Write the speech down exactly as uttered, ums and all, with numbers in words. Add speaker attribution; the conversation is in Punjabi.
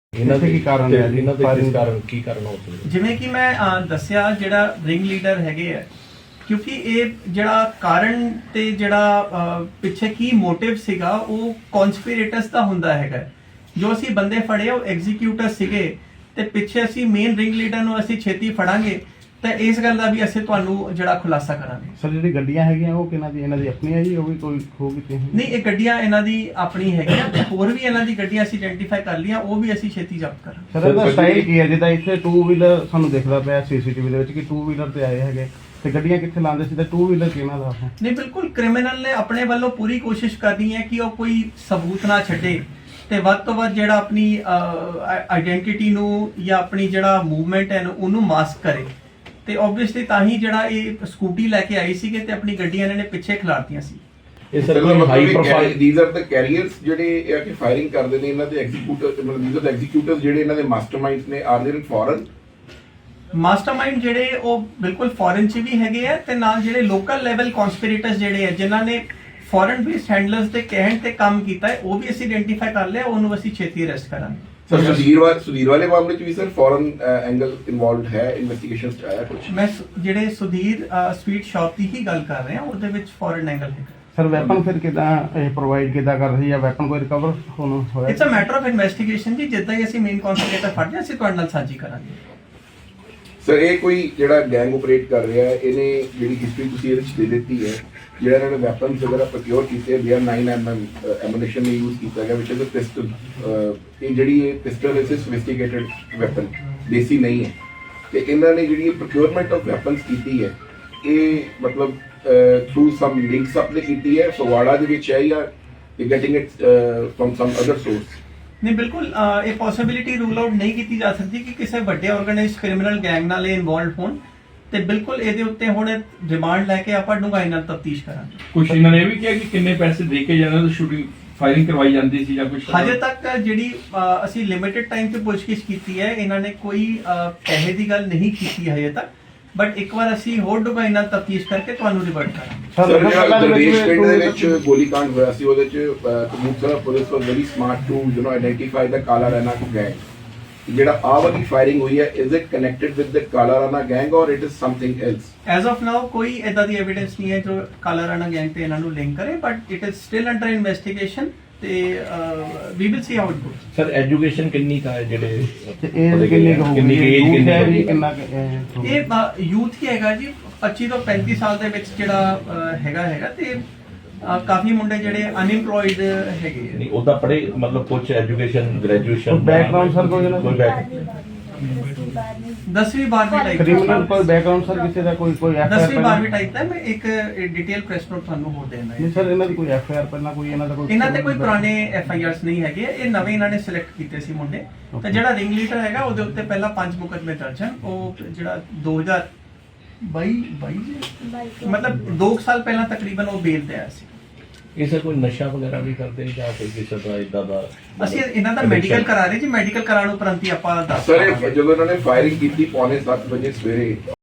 Speaker 1: ਇਹਨਾਂ ਦੇ ਕੀ ਕਾਰਨ ਹੈ ਜੀ?
Speaker 2: ਇਹਨਾਂ ਦੇ ਕਿਸ ਕਾਰਨ ਕੀ ਕਾਰਨ ਹੋ ਸਕਦਾ?
Speaker 3: ਜਿਵੇਂ ਕਿ ਮੈਂ ਅਹ, ਦੱਸਿਆ ਜਿਹੜਾ ਰਿੰਗ ਲੀਡਰ ਹੈਗੇ ਆ, ਕਿਉਂਕਿ ਇਹ ਜਿਹੜਾ ਕਾਰਨ ਤੇ ਜਿਹੜਾ ਅਹ, ਪਿੱਛੇ ਕੀ ਮੋਟਿਵ ਸੀਗਾ ਉਹ ਕਨਸਪੀਰੇਟਰਸ ਦਾ ਹੁੰਦਾ ਹੈਗਾ। ਜੋ ਅਸੀਂ ਬੰਦੇ ਫੜੇ ਉਹ ਐਗਜ਼ੀਕਿਊਟਰ ਸੀਗੇ ਤੇ ਪਿੱਛੇ ਅਸੀਂ ਮੇਨ ਰਿੰਗ ਲੀਡਰ ਨੂੰ ਅਸੀਂ ਛੇਤੀ ਫੜਾਂਗੇ ਤਾਂ ਇਸ ਗੱਲ ਦਾ ਵੀ ਅਸੀਂ ਤੁਹਾਨੂੰ ਜਿਹੜਾ ਖੁਲਾਸਾ ਕਰਾਂਗੇ।
Speaker 1: ਸਰ ਜਿਹੜੀ ਗੱਡੀਆਂ ਹੈਗੀਆਂ ਉਹ ਕਿਹਨਾਂ ਦੀ? ਇਹਨਾਂ ਦੀ ਆਪਣੀ ਹੈ ਜੀ? ਉਹ ਵੀ ਕੋਈ ਖੋ ਕੀਤੀ ਹੈ?
Speaker 3: ਨਹੀਂ, ਇਹ ਗੱਡੀਆਂ ਇਹਨਾਂ ਦੀ ਆਪਣੀ ਹੈਗੀਆਂ ਤੇ ਹੋਰ ਵੀ ਇਹਨਾਂ ਦੀ ਗੱਡੀਆਂ ਅਸੀਂ ਆਇਡੈਂਟੀਫਾਈ ਕਰ ਲਈਆਂ, ਉਹ ਵੀ ਅਸੀਂ ਛੇਤੀ ਜ਼ਬਤ ਕਰਾਂਗੇ।
Speaker 1: ਸਰ ਇਹਦਾ ਸਟਾਈਲ ਕੀ ਹੈ? ਜਿੱਦਾਂ ਇੱਥੇ ਟੂ ਵੀਲਰ ਸਾਨੂੰ ਦਿਖਦਾ ਪਿਆ ਸੀਸੀਟੀਵੀ ਦੇ ਵਿੱਚ ਕਿ ਟੂ ਵੀਲਰ ਤੇ ਆਏ ਹੈਗੇ ਤੇ ਗੱਡੀਆਂ ਕਿੱਥੇ ਲਾਉਂਦੇ ਸੀ ਤੇ ਟੂ ਵੀਲਰ ਕਿਹਨਾਂ ਦਾ ਹੈ?
Speaker 3: ਨਹੀਂ, ਬਿਲਕੁਲ ਕ੍ਰਿਮੀਨਲ ਨੇ ਆਪਣੇ ਵੱਲੋਂ ਪੂਰੀ ਕੋਸ਼ਿਸ਼ ਕਰਨੀ ਹੈ ਕਿ ਉਹ ਕੋਈ ਸਬੂਤ ਨਾ ਛੱਡੇ ਤੇ ਵੱਧ ਤੋਂ ਵੱਧ ਜਿਹੜਾ ਆਪਣੀ ਆਇਡੈਂਟੀਟੀ ਨੂੰ ਜਾਂ ਆਪਣੀ ਜਿਹੜਾ ਮੂਵਮੈਂਟ ਹੈ ਉਹਨੂੰ ਮਾਸਕ ਕਰੇ ਤੇ ਆਬਵੀਅਸਲੀ ਤਾਂ ਹੀ ਜਿਹੜਾ ਇਹ ਸਕੂਟੀ ਲੈ ਕੇ ਆਈ ਸੀਗੇ ਤੇ ਆਪਣੀ ਗੱਡੀਆਂ ਇਹਨਾਂ ਨੇ ਪਿੱਛੇ ਖਿਲਾਰਤੀਆਂ ਸੀ।
Speaker 2: ਇਹ ਸਰ ਕੋਈ high profile
Speaker 4: these are the carriers ਜਿਹੜੇ ਇਹ ਕਿ ਫਾਇਰਿੰਗ ਕਰਦੇ ਨੇ, ਇਹਨਾਂ ਦੇ ਐਗਜ਼ੀਕਿਊਟਰ ਮਤਲਬ ਥੀਸ ਆਰ ਦ ਐਗਜ਼ੀਕਿਊਟਰਸ ਜਿਹੜੇ ਇਹਨਾਂ ਦੇ ਮਾਸਟਰਮਾਈਂਡਸ ਨੇ, ਆਰ ਦੇ ਇਨ ਫੋਰਨ?
Speaker 3: ਮਾਸਟਰਮਾਈਂਡ ਜਿਹੜੇ ਉਹ ਬਿਲਕੁਲ ਫੋਰਨ ਚ ਵੀ ਹੈਗੇ ਆ ਤੇ ਨਾਲ ਜਿਹੜੇ ਲੋਕਲ ਲੈਵਲ ਕਨਸਪੀਰੇਟਰਸ ਜਿਹੜੇ ਆ ਜਿਨ੍ਹਾਂ ਨੇ ਫੋਰਨ ਬੇਸਡ ਹੈਂਡਲਰਸ ਦੇ ਕਹਿਣ ਤੇ ਕੰਮ ਕੀਤਾ ਹੈ ਉਹ ਵੀ ਅਸੀਂ ਆਇਡੈਂਟੀਫਾਈ ਕਰ ਲਿਆ, ਉਹਨੂੰ ਅਸੀਂ ਛੇਤੀ ਅਰੈਸਟ ਕਰਾਂਗੇ।
Speaker 4: ਸਰ ਸੁਧੀਰ ਵਾਲੇ ਸੁਧੀਰ ਵਾਲੇ ਮਾਮਲੇ ਚ ਵੀ ਸਰ ਫੋਰਨ ਐਂਗਲ ਇਨਵੋਲਵਡ ਹੈ, ਇਨਵੈਸਟੀਗੇਸ਼ਨ ਚ ਆਇਆ ਕੁਝ?
Speaker 3: ਮੈਂ ਸੁ- ਜਿਹੜੇ ਸੁਧੀਰ ਸਵੀਟ ਸ਼ਾਪ ਦੀ ਹੀ ਗੱਲ ਕਰ ਰਿਹਾ, ਉਹਦੇ ਵਿੱਚ ਫੋਰਨ ਐਂਗਲ ਹੈ।
Speaker 1: ਸਰ ਵੈਪਨ ਫਿਰ ਕਿਦਾਂ ਇਹ ਪ੍ਰੋਵਾਈਡ ਕਿਦਾਂ ਕਰ ਰਹੀ ਹੈ? ਵੈਪਨ ਕੋਈ ਰਿਕਵਰ ਹੋਣਾ ਹੋਇਆ?
Speaker 3: It's a matter of investigation ਜੀ, ਜਿੱਦਾਂ ਹੀ ਅਸੀਂ ਮੇਨ ਕਨਸਪੀਰੇਟਰ ਫੜ ਲਿਆ ਅਸੀਂ ਤੁਹਾਡੇ ਨਾਲ ਸਾਂਝੀ ਕਰਾਂਗੇ।
Speaker 4: ਸਰ ਇਹ ਕੋਈ ਜਿਹੜਾ ਗੈਂਗ ਆਪਰੇਟ ਕਰ ਰਿਹਾ ਹੈ, ਇਹਨੇ ਜਿਹੜੀ ਹਿਸਟਰੀ ਤੁਸੀਂ ਇਹਦੇ ਚ ਦੇ ਦਿੱਤੀ ਹੈ, ਜਿਹੜਾ ਇਹਨਾਂ ਨੇ ਵੈਪਨਸ ਵਗੈਰਾ ਪ੍ਰੋਕਿਉਰ ਕੀਤੇ, B R nine M M ammunition ਨੇ ਯੂਜ਼ ਕੀਤਾ ਗਿਆ ਵਿਚ ਇਜ਼ ਅ ਪਿਸਟਲ। ਇਹ ਜਿਹੜੀ ਇਹ ਪਿਸਟਲ ਇਸ ਸੋਫਿਸਟੀਕੇਟਡ ਵੈਪਨ ਦੇਸੀ ਨਹੀਂ ਹੈ ਤੇ ਇਹਨਾਂ ਨੇ ਜਿਹੜੀ ਪ੍ਰੋਕਿਉਰਮੈਂਟ ਆਫ ਵੈਪਨਸ ਕੀਤੀ ਹੈ ਇਹ ਮਤਲਬ ਥਰੂ ਸਮ ਲਿੰਕਸ ਅਪ ਨੇ ਕੀਤੀ ਹੈ, ਫਗਵਾੜਾ ਦੇ ਵਿੱਚ ਹੈ ਜਾਂ getting it from some other source?
Speaker 3: ਨਹੀਂ, ਬਿਲਕੁਲ ਅਹ, ਇਹ ਪੋਸਿਬਿਲਿਟੀ ਰੂਲ ਆਊਟ ਨਹੀਂ ਕੀਤੀ ਜਾ ਸਕਦੀ ਕਿ ਕਿਸੇ ਵੱਡੇ ਆਰਗੇਨਾਈਜ਼ਡ ਕ੍ਰਿਮੀਨਲ ਗੈਂਗ ਨਾਲ ਇਹ ਇਨਵੋਲਵਡ ਹੋਣ ਤੇ ਬਿਲਕੁਲ ਇਹਦੇ ਉੱਤੇ ਹੁਣ ਰਿਮਾਂਡ ਲੈ ਕੇ ਆਪਾਂ ਡੂੰਘਾਈ ਨਾਲ ਤਫਤੀਸ਼ ਕਰਾਂਗੇ।
Speaker 5: ਕੁਝ ਇਹਨਾਂ ਨੇ ਇਹ ਵੀ ਕਿਹਾ ਕਿ ਕਿੰਨੇ ਪੈਸੇ ਦੇ ਕੇ ਜਾਂਦੇ ਤਾਂ ਸ਼ੂਟਿੰਗ ਫਾਇਰਿੰਗ ਕਰਵਾਈ ਜਾਂਦੀ ਸੀ ਜਾਂ ਕੁਝ?
Speaker 3: ਹਜੇ ਤੱਕ ਜਿਹੜੀ ਅਹ, ਅਸੀਂ ਲਿਮਿਟਿਡ ਟਾਈਮ ਤੇ ਪੁੱਛਗਿੱਛ ਕੀਤੀ ਹੈ, ਇਹਨਾਂ ਨੇ ਕੋਈ ਅਹ, ਪੈਸੇ ਦੀ ਗੱਲ ਨਹੀਂ ਕੀਤੀ ਹਜੇ ਤੱਕ, ਬਟ ਇੱਕ ਵਾਰ ਅਸੀਂ ਹੋਰ ਡੂੰਘਾਈ ਨਾਲ ਤਫਤੀਸ਼ ਕਰਕੇ ਤੁਹਾਨੂੰ ਰਿਵਰਟ ਕਰਾਂਗੇ।
Speaker 4: ਸਰ ਜਿਹੜਾ ਦਰਵੇਸ਼ ਪਿੰਡ ਦੇ ਵਿੱਚ ਗੋਲੀकांड ਹੋਇਆ ਸੀ ਉਹਦੇ ਚ Kapurthala police was very smart to you know identify the Kala Rana gang. ਜਿਹੜਾ ਆ ਵਾਲੀ ਫਾਇਰਿੰਗ ਹੋਈ ਹੈ is it connected with the Kala Rana gang or it is something else?
Speaker 3: As of now ਕੋਈ ਇਦਾਂ ਦੀ ਐਵੀਡੈਂਸ ਨਹੀਂ ਹੈ ਜੋ ਕਾਲਾ ਰਾਣਾ ਗੈਂਗ ਤੇ ਇਹਨਾਂ ਨੂੰ ਲਿੰਕ ਕਰੇ, but it is still under investigation ਤੇ we will see how it goes.
Speaker 2: Sir education ਕਿੰਨੀ ਕਾ ਹੈ ਜਿਹੜੇ
Speaker 1: ਤੇ ਏਜ ਕਿੰਨੀ ਕੁ ਹੋਊਗੀ?
Speaker 2: ਕਿੰਨੀ ਏਜ
Speaker 1: Youth
Speaker 2: ਕਿੰਨੀ
Speaker 1: ਹੈ ਜੀ,
Speaker 2: ਹੋਊਗੀ?
Speaker 1: ਕਿੰਨਾ ਕੁ, ਇਹ
Speaker 3: ਇਹ ਯੂਥ ਹੀ ਹੈਗਾ ਜੀ, ਪੱਚੀ ਤੋਂ ਪੈਂਤੀ ਸਾਲ ਦੇ ਵਿੱਚ ਜਿਹੜਾ ਅਹ, ਹੈਗਾ ਹੈਗਾ ਤੇ ਅਹ, ਕਾਫੀ ਮੁੰਡੇ ਜਿਹੜੇ ਅਨਇੰਪਲੋਇਡ ਹੈਗੇ ਆ।
Speaker 2: ਨਹੀਂ ਉਹਦਾ ਪੜੇ ਮਤਲਬ ਕੁਝ ਐਜੂਕੇਸ਼ਨ ਗ੍ਰੈਜੂਏਸ਼ਨ
Speaker 1: ਕੋਈ background sir ਕੋਈ ਇਹਨਾਂ ਦਾ?
Speaker 2: ਕੋਈ back-
Speaker 3: ਦਸਵੀਂ ਬਾਰਵੀਂ ਟਾਈਪ
Speaker 1: ਕ੍ਰਿਮੀਨਲ ਕੋਈ ਬੈਕਗ੍ਰਾਉਂਡ ਸਰ ਕਿਸੇ ਦਾ ਕੋਈ ਕੋਈ ਐਫ ਆਈ
Speaker 3: ਦਸਵੀਂ
Speaker 1: ਆਰ?
Speaker 3: ਬਾਰਵੀਂ ਟਾਈਪ ਦਾ ਮੈਂ ਇੱਕ ਡਿਟੇਲ ਪ੍ਰੈਸ ਨੋਟ ਤੁਹਾਨੂੰ ਹੋਰ ਦੇਣਾ
Speaker 1: ਨਹੀਂ
Speaker 3: ਹੈ।
Speaker 1: ਸਰ ਇਹਨਾਂ ਦੀ ਕੋਈ ਐਫ ਆਈ ਆਰ ਪਹਿਲਾਂ ਕੋਈ ਇਹਨਾਂ ਦਾ ਕੋਈ?
Speaker 3: ਇਹਨਾਂ ਤੇ ਕੋਈ ਪੁਰਾਣੇ ਐਫ ਆਈ ਆਰਸ ਨਹੀਂ ਹੈਗੇ, ਇਹ ਨਵੇਂ ਇਹਨਾਂ ਨੇ ਸਿਲੈਕਟ ਕੀਤੇ ਸੀ ਮੁੰਡੇ ਤੇ ਜਿਹੜਾ ਰਿੰਗ ਲੀਡਰ ਹੈਗਾ ਉਹਦੇ ਉੱਤੇ ਪਹਿਲਾਂ ਪੰਜ ਮੁਕੱਦਮੇ ਦਰਜ ਹਨ। ਉਹ ਜਿਹੜਾ ਦੋ ਹਜ਼ਾਰ ਬਾਈ ਮਤਲਬ ਦੋ ਸਾਲ ਪਹਿਲਾਂ ਤਕਰੀਬਨ ਉਹ ਬੇਲ ਤੇ ਆਇਆ ਸੀ।
Speaker 2: ਇਹ ਸਰ ਕੋਈ ਨਸ਼ਾ ਵਗੈਰਾ ਵੀ ਕਰਦੇ ਜਾਂ ਕੋਈ ਕਿਸੇ ਤਰ੍ਹਾਂ ਇਦਾਂ ਦਾ?
Speaker 3: ਅਸੀਂ ਇਹਨਾਂ ਦਾ ਮੈਡੀਕਲ ਕਰਾ ਰਹੇ ਜੀ, ਮੈਡੀਕਲ ਕਰਾਉਣ ਉਪਰੰਤ ਹੀ ਆਪਾਂ ਦੱਸ
Speaker 4: ਸਰ
Speaker 3: ਪਾਵਾਂਗੇ।
Speaker 4: ਜਦੋਂ ਇਹਨਾਂ ਨੇ ਫਾਇਰਿੰਗ ਕੀਤੀ ਪੌਣੇ ਸੱਤ ਵਜੇ ਸਵੇਰੇ